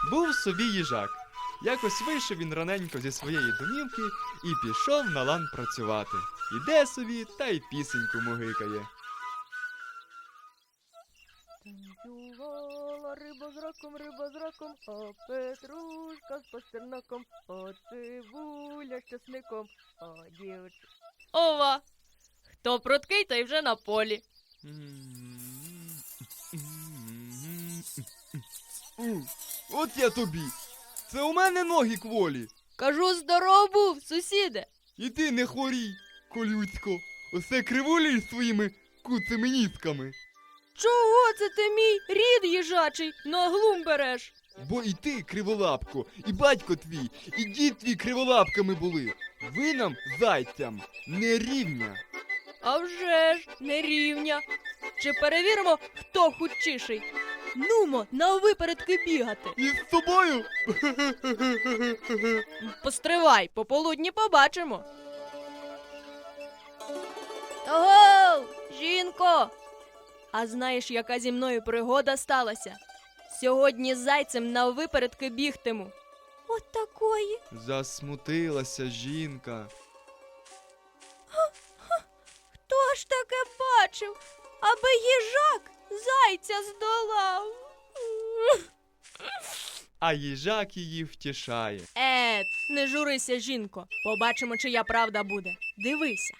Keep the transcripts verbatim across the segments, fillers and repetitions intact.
Був собі їжак. Якось вийшов він раненько зі своєї домівки і пішов на лан працювати. Іде собі та й пісеньку мугикає. Танцювала риба з раком, риба з раком, а петрушка з пастернаком, а цибуля з часником, а дівч... Ова! Хто пруткий, той вже на полі. От я тобі! Це у мене ноги кволі! Кажу, здоров був, сусіде! І ти не хворій, колюцько! Осе кривулі своїми куцими нітками! Чого це ти мій рід їжачий на глум береш? Бо і ти, криволапко, і батько твій, і дід твій криволапками були. Ви нам, зайцям, не рівня. А вже ж, не рівня. Чи перевіримо, хто худшіший? Нумо, на випередки бігати. І з тобою? Постривай, пополудні побачимо. Ого, жінко! А знаєш, яка зі мною пригода сталася? Сьогодні з зайцем на випередки бігтиму. От такої. Засмутилася жінка. Хто ж таке бачив, аби їжак зайця здолав? А їжак її втішає. Ет, не журися, жінко. Побачимо, чия правда буде. Дивися.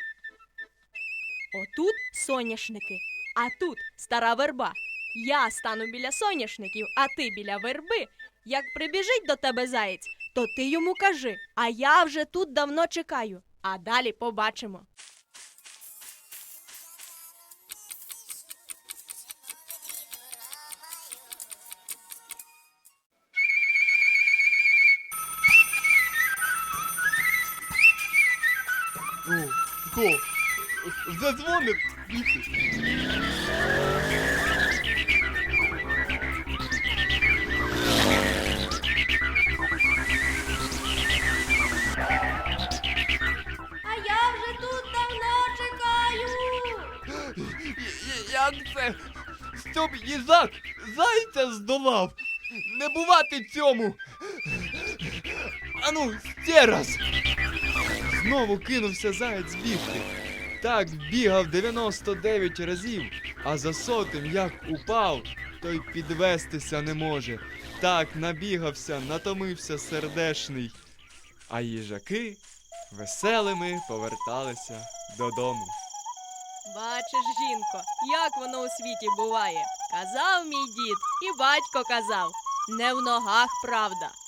Отут соняшники, а тут стара верба. Я стану біля соняшників, а ти біля верби. Як прибіжить до тебе заєць, то ти йому кажи, а я вже тут давно чекаю. А далі побачимо. О, ко, вже дзвонить? А я вже тут давно чекаю. Як це? Щоб їжак зайця здолав? Не бувати цьому! Ану, ще раз! Знову кинувся заєць бігти. Так бігав дев'яносто дев'ять разів, а за сотим як упав, то й підвестися не може. Так набігався, натомився сердешний. А їжаки веселими поверталися додому. Бачиш, жінко, як воно у світі буває. Казав мій дід, і батько казав, не в ногах правда,